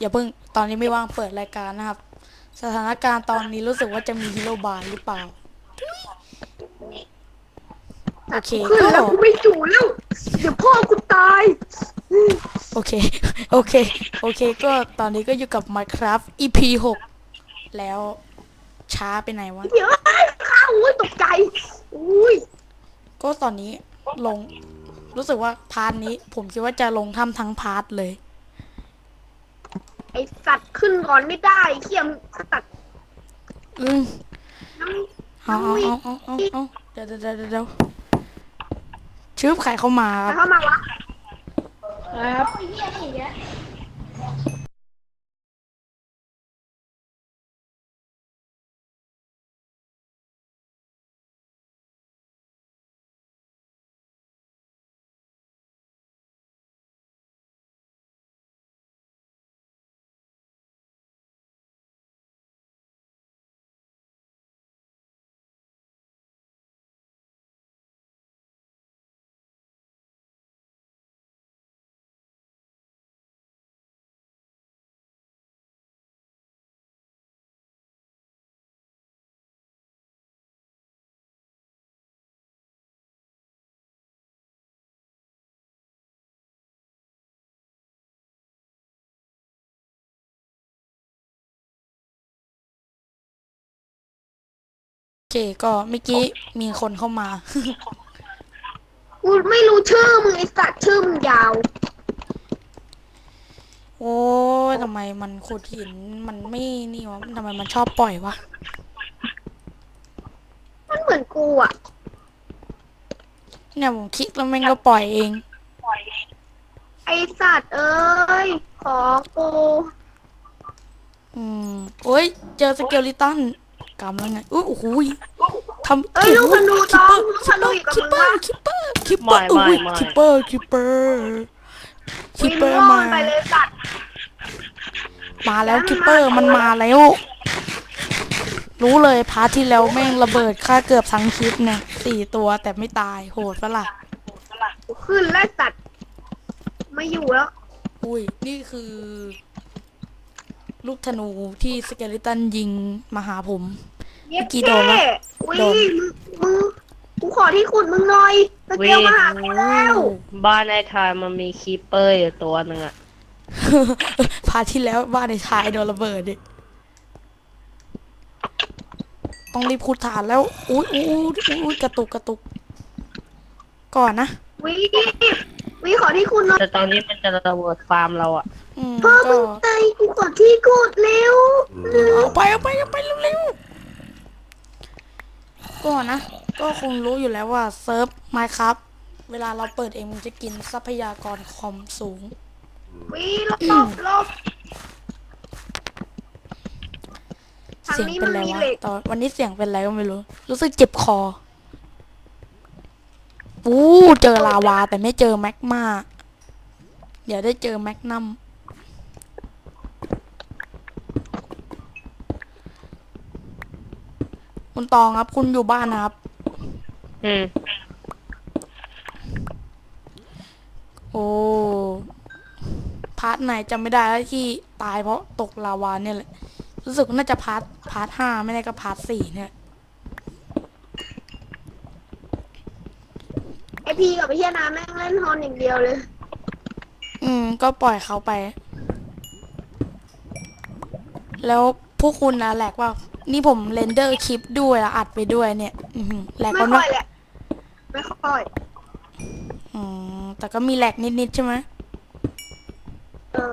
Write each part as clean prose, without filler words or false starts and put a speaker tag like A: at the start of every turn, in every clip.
A: เพิ่งตอนนี้ไม่ว่างเปิดรายการนะครับสถานการณ์ตอนนี้รู้สึกว่าจะมีฮีโร่บายหรือเปล่าโอเค
B: ขึ้น
A: ก็
B: แล้วกูไม่จู่แล้วเดี๋ยวพ่อกูตาย
A: โอเคโอเคโอเคก็ตอนนี้ก็อยู่กับ Minecraft EP 6แล้วช้าไปไหนวะ
B: เดี๋ยวข้าวอุ้ยตกใจอุ้ย
A: ก็ตอนนี้ลงรู้สึกว่าพาร์ทนี้ผมคิดว่าจะลงทำทั้งพาร์ทเลย
B: ไอสัตว์ขึ้นก่อนไม่ได้เขี้ยมสัตว์
A: อืม
B: น้
A: เอา
B: ำมี
A: เอาเดี๋ยวชื่อใครเข้ามาค
B: ใคร
A: รับ
B: เข้ามาวะ
C: ครับ
A: โอเคก็เมื่อกี้มีคนเข้ามา
B: กูไม่รู้ชื่อมึงไอสัตว์ชื่อมึงยาว
A: โอ้ยทำไมมันขุดหินมันไม่นี่วะทำไมมันชอบปล่อยวะ
B: มันเหมือนกูอ่ะ
A: เนี่ยผมคลิกแล้วแม่งก็ปล่อยเอง
B: ไอสัตว์เอ้ยขอกู
A: อืมโอ้ยเจอสเกลิตันกำลังไงอุ้ยโอ้โหยทำ
B: เอ้ยลูกธนูตองลูกธนูอยู่กับ
A: คิป
B: มึง
A: เปอ
B: วะ
A: ร์คิปเปอร์คิปเปอร์อุ้ยคิปเปอร์คิปเปอร์คิป
B: วิ่ง
A: เปอร์
B: ล่อ
A: มา
B: ไปเลยสัตว์
A: มาแล้วคิปเปอร์มันมาแล้วรู้เลยพาร์ทที่แล้วแม่งระเบิดค่าเกือบทั้งคลิปเนี่ย4 ตัวแต่ไม่ตายโหดปะล่ะ
B: กูขึ้นแล้วสัตว์ไม่อยู่แล้ว
A: อุ้ยนี่คือลูกธนูที่สเกลิตันยิงมาหาผม
B: เย็ด
A: กี่โดนวะ
B: วิ
A: โดน
B: มึงกูขอที่ขุดมึงหน่อยตะเกียบมาหากูแล้ว
C: บ้านไอ้ทายมันมีคีปเปอร์อยู่ตัวหนึ่งอะ
A: พาร์ทที่แล้วบ้านในชายโดนระเบิดดิต้องรีบขุดฐานแล้วอุ้ยกระตุกก่อนนะ
B: วิขอที่ขุดหน่อย
C: แต่ตอนนี้มันจะระเบิดฟาร์มเราอะ
B: พ่อ
A: ก็
B: มึงตายกูขอที่ขุดเร็ว
A: เอาไปเร็วๆก่อนนะก็คงรู้อยู่แล้วว่าเซิร์ฟไมค์ครับเวลาเราเปิดเองมันจะกินทรัพยากรคอมสูง
B: วิลบทาง
A: เสียง
B: นี้
A: เป็
B: มัน น
A: ไร
B: มี
A: วะ
B: เหล็ก
A: ตอนวันนี้เสียงเป็นไรก็ไม่รู้ รู้สึกเจ็บคอเจอลาวาแต่ไม่เจอแมกมาเดี๋ยวได้เจอแมกนัมคุณตองครับคุณอยู่บ้านนะครับ
C: อืม
A: โอ้พาร์ทไหนจำไม่ได้แล้วที่ตายเพราะตกลาวาเนี่ยแหละรู้สึกว่าน่าจะพาร์ท 5ไม่ได้ก็พาร์ท 4เนี่ย
B: ไอพีกับไอเฮียน้ำแม่งเล่นฮอนอย่างเดียวเลย
A: ก็ปล่อยเขาไป แล้วพวกคุณนะแหลกว่านี่ผมเรนเดอร์คลิปด้วยแล้วอัดไปด้วยเนี่ยแหลก
B: ไม่
A: กัน
B: ค่
A: วะ
B: อยแหละไม่ค่อย
A: แต่ก็มีแหลกนิดๆใช่ไหม
B: เออ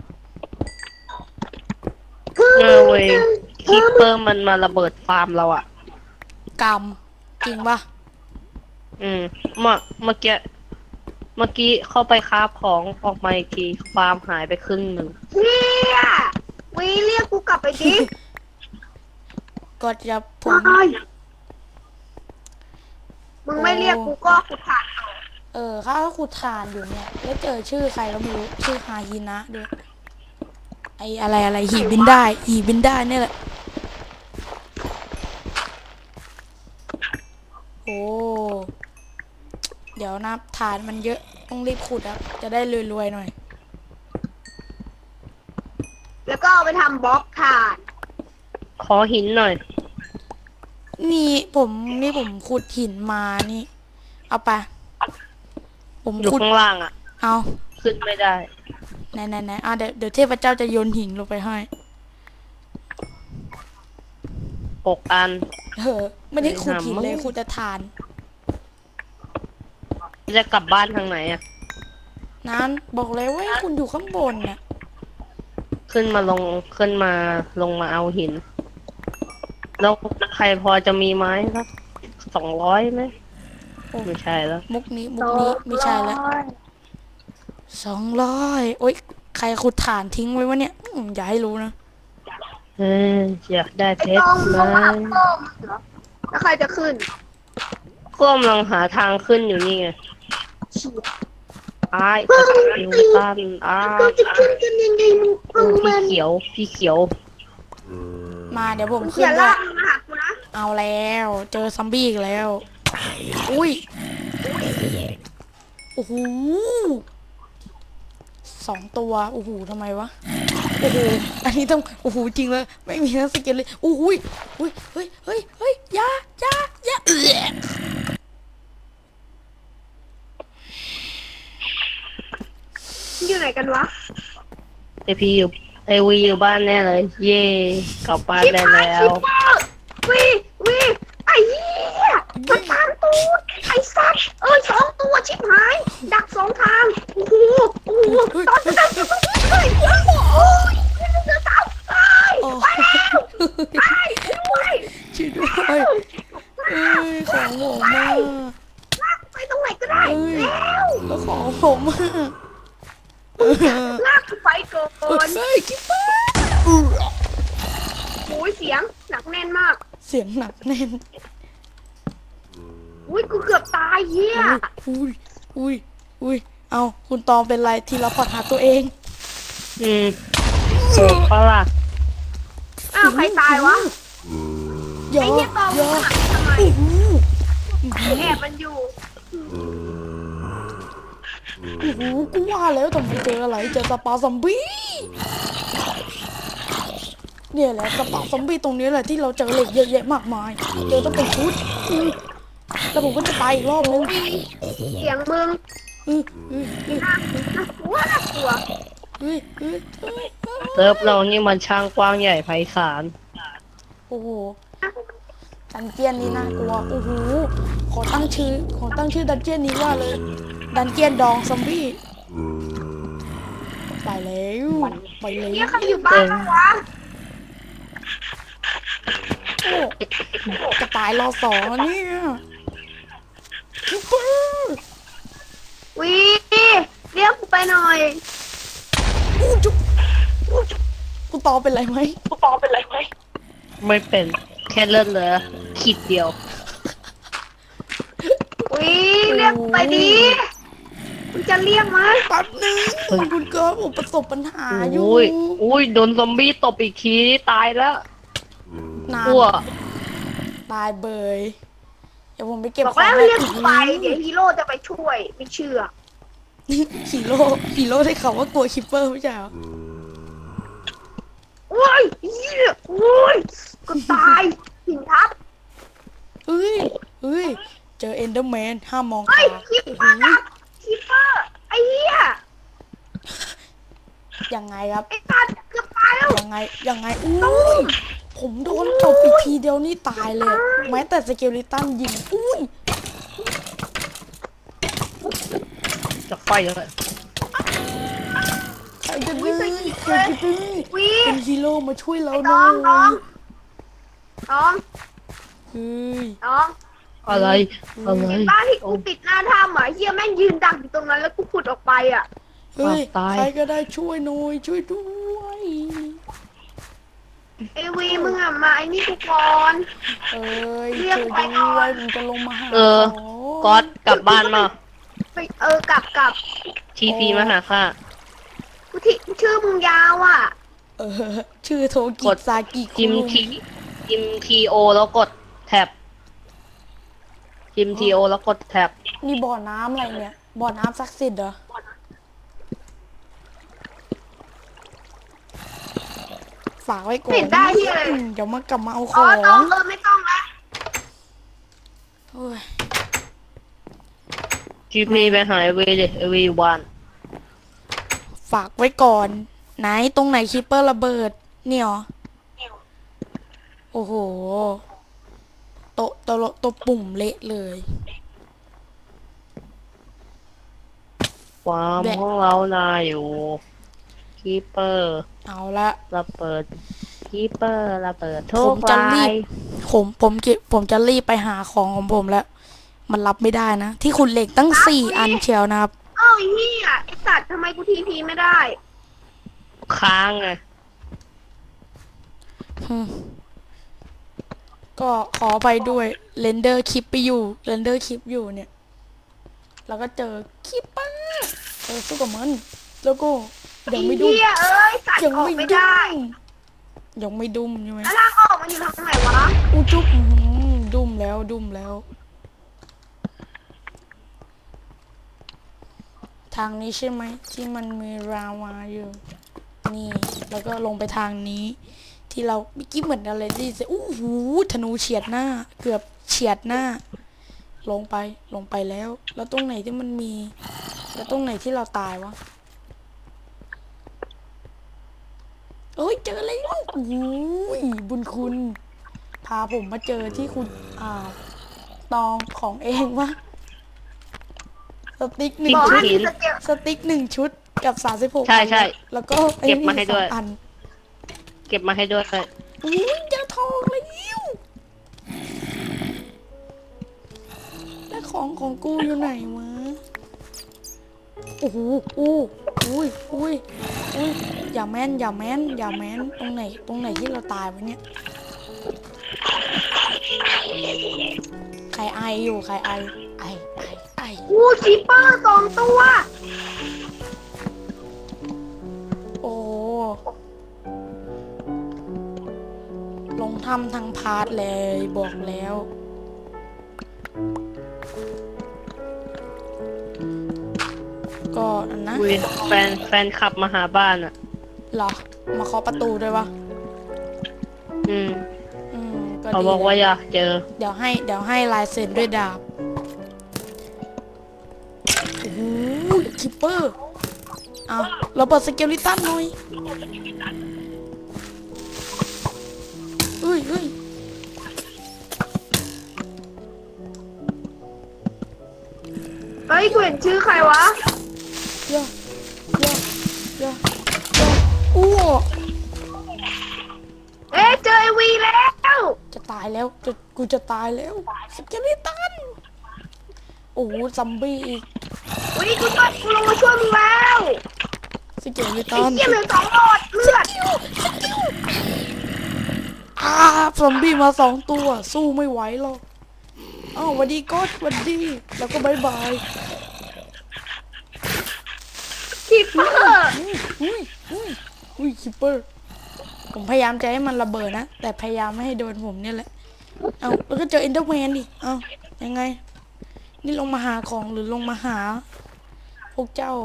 C: เว้ยคีปเปอร์มันมาระเบิดฟาร์มเราอะ
A: กรรมจริงปะ
C: อืมเมื่อกี้เข้าไปคราฟของออกมาอีกทีฟาร์มหายไปครึ่งหนึ่ง
B: เฮียวิเรียกกูกลับไปดิ
A: ก็จะผ
B: ว
A: ม
B: ายมึงไม่เรียกกูก็ขุดถ่านเอา
A: ข้าก็ขุดถ่านอยู่เนี่ยแล้วเจอชื่อใครก็ไม่รู้ชื่อฮาฮินะด้วยไออะไรหีบินได้เนี่ยแหละโอ้เดี๋ยวนะฐานมันเยอะต้องรีบขุดครับจะได้รวยๆหน่อย
B: ก็เอาไปทำบล็อกถ่าน
C: ขอหินหน่อย
A: นี่ผมขุดหินมานี่ เอาไป ผม
C: อยู่
A: ขุด
C: ข้างล่างอ่ะ
A: เอา
C: ขึ้นไม่ได้
A: ไหนเดี๋ยวเทพเจ้าจะโยนหินลงไปให้
C: 6 อัน
A: ไม่ได้ขุดหินเลย
C: หามึง
A: ขุดแต่ฐาน
C: จะกลับบ้านทางไหนอ่ะ
A: นั้นบอกเลยว่าให้คุณอยู่ข้างบนน่ะ
C: ขึ้นมาลงมาเอาหิน แล้วใครพอจะมีไม้สัก200ไหม
A: โอ้
C: ไม่ใช่แล้ว
A: มุกนี้ไม่ใช่แล้ว200โอ๊ยใครขุดฐานทิ้งไว้วะเนี่ยอย่าให้รู้นะ
C: เอออยากได้เพ
B: ไอ้
C: ช
B: ต
C: ร
B: อง
C: ไหม
B: เขาหาโป้งเหรอแล้วใครจะขึ้น
C: ก็กำลังหาทางขึ้นอยู่นี่ไง
B: เชี่ย
C: อ้ายสกิลตันอ้า
B: เราจะขึ้นกันยังไงมึง
C: โอ้
B: มึง
C: พี่เขียว
A: มาเดี๋ยวผม
B: เขี
A: ขึ้
B: ย
A: น
B: น
A: ด้ว
B: ลาย กมาหากูนะ
A: เอาแล้ว เจอซอมบี้อีกแล้ว อุ้ยโอ้โห2 ตัวโอ้โหทำไมวะโอ้โหอันนี้ต้องโอ้โหจริงเลยไม่มีทั้งสเก็ตเลยโอ้โหอุ้ยเฮ้ยอยาเอื้อ
B: อยู่ไหนกันวะ
C: ไอพีอยู่ไอวีอยู่บ้านแน่เลย เย่กลับบ้าน
B: ชิบ
C: ได้
B: หาย
C: แล้
B: ชิ
C: ว
B: ปเปอร์วีไอ้เหี้ยมันตามตูดไอ้สัตว์2 ตัวชิบหาย ดัก2 ทางโอ้โหตอนนั้นเฮ้ยโอ้ยเสือสาวเอ้ย
A: โอ้
B: ไปแล้วไปด้วย
A: ช่วยด้วยเอ้ยของผมมา
B: ลากไปตรงไหนก็ได้แล้ว
A: แล้วของผมมา
B: ลากกูไปก่อน
A: เฮ้ยคิปเปอร์
B: โอ้ยเสียงหนักแน่นมาก
A: เสียงหนักแน่น
B: อุ้ยกูเกือบตายเหี้ย
A: อุ้ยเอาคุณตองเป็นไรทีละพอร์ตหาตัวเอง
C: โหดปะล่ะ
B: อ้าวใครตายวะ
A: อย่า
B: ไอ้เหี้ยตอง
A: อย่า
B: หายทำไม
A: โอ้โห
B: แอบมันอยู่
A: กูว่าแล้วทำไมเจออะไรเจอสปาซอมบี้เนี่ยแหละสปาซอมบี้ตรงนี้แหละที่เราเจอเหล็กเยอะแยะมากมายเจอต้องเป็นชุดแล้วผมก็จะไปอีกรอบนึง
B: เสียงมึง
A: อื้อ
B: น่ากลัวน่ากลัว
A: เฮ้ย
C: เซิร์ฟเรานี่มันช่างกว้างใหญ่ไพศาล
A: โอ้โหดันเจียนนี้น่ากลัวโอ้โหขอตั้งชื่อดันเจียนนี้ว่าเลยดันเจียนดองซอมบี้ไปแล้วไปเลย
B: เหี้ยใครอยู่บ้านบ้างวะ
A: โอ้จะตายรอ2แล้วเนี่ยคิปเปอร์
B: วีเรียกกูไปหน่อย
A: จุ๊บกูตอเป็นไรไหม
C: ไม่เป็นแค่เลือดเหลือขีดเดียว
B: วีเรียกกูไปดิมึงจะเรียกมั้ย
A: แป๊บนึงคุณเกิร์ลผมประสบปัญหาอยู่
C: อุ้ยโดนซอมบี้ตบอีกทีตายแล้ว
A: นาน
C: อ้ว
A: ตายเบยเดี๋ยวผมไปเก็บ
B: บอก
A: ของ
B: แล้ว
A: ให้
B: เรียกกูไปเดี๋ยวฮีโร่จะไปช่วยไม่เชื่อ
A: ฮีโร่ได้ข่าวว่ากลัวคิปเปอร์ไม่ใช่เหรอ
B: โอ้ยเหี้ยโอ้ยกูตายหินทับ
A: เฮ้ยเจอเอนเดอร์แมนห้ามมอง
B: เฮ้
A: ตาย
B: คิปเปอร์ทับคิปเปอร์ไอ้เหี้ย
A: ยังไงครับ
B: ไอ้สัตว์เกือบตายแล้ว
A: ยังไงอุ้ยผมโดนตบอีกทีเดียวนี่ตายเลย แม้แต่สเกลิตันยิงอุ้ย
C: จะไฟยังไง
A: ใครจะดื้อใครจะดื้อ
B: วี
A: เป็นฮีโร่มาช่วยเราห
B: น้
A: น่
B: อ
A: อง
B: น้อง
A: ย
B: น้อง
A: เฮ้ย
B: น้อง
C: อะไร
B: บ้านที่กูติดหน้าถ้ำอ่ะเฮียแม่งยืนดักอยู่ตรงนั้นแล้วกูขุดออกไปอ่ะ
A: เฮ้ย
C: ตาย
A: ใครก็ได้ช่วยหน่อยช่วยด้วย
B: ไอวีมึงอ่ะมาไอ้นี่กูก่อน
A: เอ้ย
B: เรี
A: ช่
B: ย
A: วย
B: กไป
A: ด้
B: ก่อ
A: วย
B: น
A: มันจะลงมาหา
C: ก๊อตกลับบ้านมา
B: ไปกลับ
C: ทีพีมาหาค่ะ
B: กูที่ชื่อมึงยาวอ่ะ
A: เออชื่อโทกิ
C: กด
A: ซากิคุ
C: จิม
A: รุ
C: ทีโอแล้วกดแท็บจิมทีโอแล้วกดแท็บ
A: นี่บ่อน้ำอะไรเนี่ย บ่อน้ำศักดิ์สิทธิ์เหรอฝากไว้ก่อน
B: ไม่ได้ที่อะไร
A: เดี๋ยวมากลับมาเอาข
B: อ๋อ
A: อง
B: ต้องไม่ต้องละ
A: โอ้ย
C: จีพีไปหาเอวีดิเอวีวัน
A: ฝากไว้ก่อน ไหนตรงไหนคีปเปอร์ระเบิด เนี่ยเหรอโอ้โห โต๊ะปุ่มเละเลย
C: ความ
A: แบะ
C: ของเรานาอยู่คีเปอร์
A: เอาละ
C: ระเบิดคีเปอร์ระเบิดทุ
A: ผ
C: ก
A: มจะ
C: ราร
A: บ
C: ย
A: ผมจะรีบไปหาของของผมแล้ว มันรับไม่ได้นะ ที่คุณเหล็กตั้ง4 อันเชียวนะครับ
B: เอ้าไอ้เหี้ยไอ้สัตว์ทำไมกูทีพีไม่ได้
C: ค้างไง
A: อืมก็ขอไปด้วยเรนเดอร์คลิปไปอยู่เรนเดอร์คลิปอยู่เนี่ย แล้วก็เจอคลิปป้าสู้กับมัน แล้วก็ยังไม่ดุม
B: ไอ้เหี้ยเอ้ยสัตว์
A: ยัง
B: ออก
A: ไม่
B: ไม่
A: ดุ
B: ได้
A: มยังไม่ดุมใช่ไหม
B: แล้วทางออกมันอยู่ทางไหนวะ
A: อู้จุ๊บดุมแล้วดุมแล้ว ทางนี้ใช่ไหมที่มันมีราวาอยู่ นี่ แล้วก็ลงไปทางนี้ ที่เราเมื่อกี้เหมือนอะไรที่จะอู้หูธนูเฉียดหน้า เกือบเฉียดหน้า ลงไปแล้ว แล้วตรงไหนที่มันมี แล้วตรงไหนที่เราตายวะเอ้ยเจอแล้วโอ้ยบุญคุณ พาผมมาเจอที่คุณตองของเองวะสติ๊กหนึ่ง
B: บอก
A: ชุ
B: ให้
A: ด
B: มีสเกล
A: สติ๊ก1 ชุดกับ36
C: ใช่ใช่
A: แล้วก็
C: เก็บมาให้ด้วย
A: 2 อัน
C: เก็บมาให้ด้วย
A: อุ้ยเจอทองแล้วแล้วของกูอยู่ไหนวะโอ้โหอุ้ยอย่าแม่นตรงไหนที่เราตายวะเนี่ยใครไออยู่ใครไอไอ
B: กูคีเปอร์2 ตัว
A: โอ้ลงทำทางพาร์ทเลยบอกแล้ว ก็อันนะ
C: คุยแฟนขับมาหาบ้านอ่ะ
A: เหรอ มาเคาะประตูด้วยวะ
C: อืม
A: ก็
C: เขา
A: ดี
C: บอกว่า
A: เลย
C: อยากเจอ
A: เดี๋ยวให้ลายเซ็นด้วยดาบ โอ้โหคิปเปอร์เอาเราเปิดสเกลิตันหน่อยเฮ้ย
B: เฮ้ยกูเห็นชื่อใครวะ
A: ย่าอ้ว
B: เอ๊ะเจอไอวีแล้ว
A: จะตายแล้วกูจะตายแล้วสเกลิตันโอ้โหซอมบี้อีก
B: วันนี้กูลงมาช่วยมึงแล้ว
A: สเกลิ
B: ไอ้
A: ตัน
B: เหี้ยเหลือ2 หลอดเลือด
A: ซอมบี้มา2 ตัว สู้ไม่ไหวหรอกอ้าวหวันดีก็หวันดี แล้วก็บายบาย
B: คีเปอร์
A: อุ้ยคิปเปอร์ ผมพยายามจะให้มันระเบิดนะ แต่พยายามไม่ให้โดนผมเนี่ยแหละ เอาแล้วก็เจอเอนเดอร์แมนดิ เอายังไง นี่ลงมาหาของหรือลงมาหา พวกเจ้า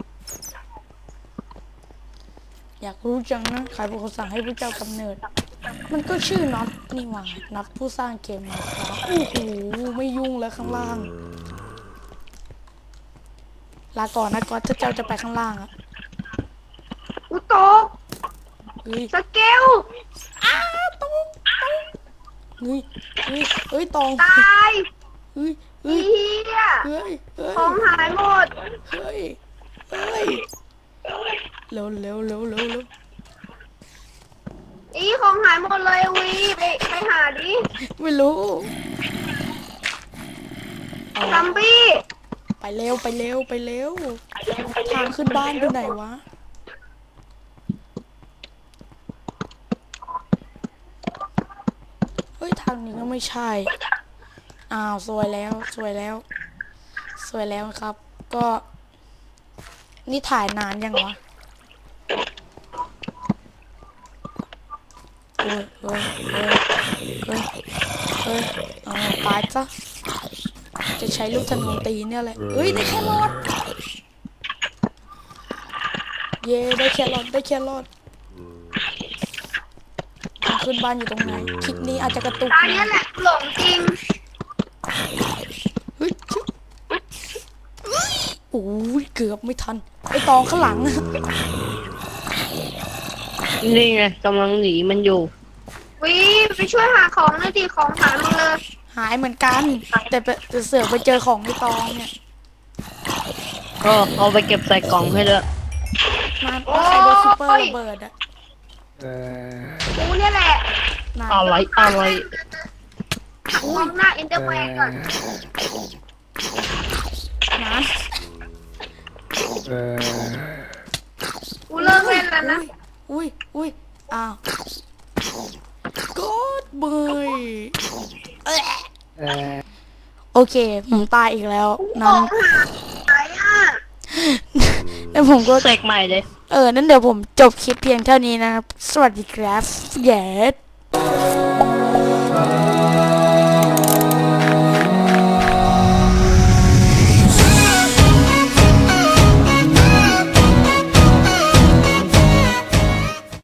A: อยากรู้จังนะใครเป็นคนสั่งให้พวกเจ้ากำเนิด มันก็ชื่อน็อตนี่หว่าน็อตผู้สร้างเกมมาครับโอ้โหไม่ยุ่งแล้วข้างล่าง ลาก่อนนะก๊อตถ้าเจ้าจะไปข้างล่างอะ
B: กูตก
A: เฮ้ย
B: สเกล
A: ตองเฮ้ยตอง
B: ตาย
A: เฮ้ย
B: ไอ้เหี้ย
A: เฮ้ย
B: ของหายหมด
A: เฮ้ยเร็ว
B: อีของหายหมดเลยวีไปหาดิ
A: ไม่รู้
B: ซัมบี้
A: ไปเร็วทางขึ้นบ้านอยู่ไหนวะเฮ้ยทางนี้ก็ไม่ใช่อ้าวสวยแล้วครับ ก็นี่ถ่ายนานยังวะเฮ้ยเอาตายซะจะใช้ลูกธนูตีเนี่ยแหละเฮ้ยได้แครอทเย้ได้แครอทขึ้นบ้านอยู่ตรงไหนคลิปนี้อาจจะกระตุก
B: ตาเนี้ยแหละหลงจริง
A: เฮ้ยชึโอ้ยเกือบไม่ทันไอ้ตองข้างหลัง
C: นี่ไงกำลังหนีมันอยู่
B: วิไปช่วยหาของหน่อยดิของหายหมดเลย
A: หายเหมือนกัน แต่เสือกไปเจอของในตองเนี่ย
C: ก็เอาไปเก็บใส่กล่องให้ด้วย
A: มาใครโดนซูเปอร์ระเบิดอะ
B: กูเนี่ยแหละ
A: นาน
C: อะไร
B: มองหน้าเอ็นเดอร์แมนก่อน
A: นาน
B: กูเลิกเล่นแล้วนะ
A: อุ้ยอ้าวกดเบยโอเคผมตายอีกแล้ว
B: ข
A: นั้
B: อน งหายอ่ะ
A: แล้วผมก็
C: เสกใหม่เลย
A: นั่นเดี๋ยวผมจบคลิปเพียงเท่านี้นะครับ สวัสดีครับเย้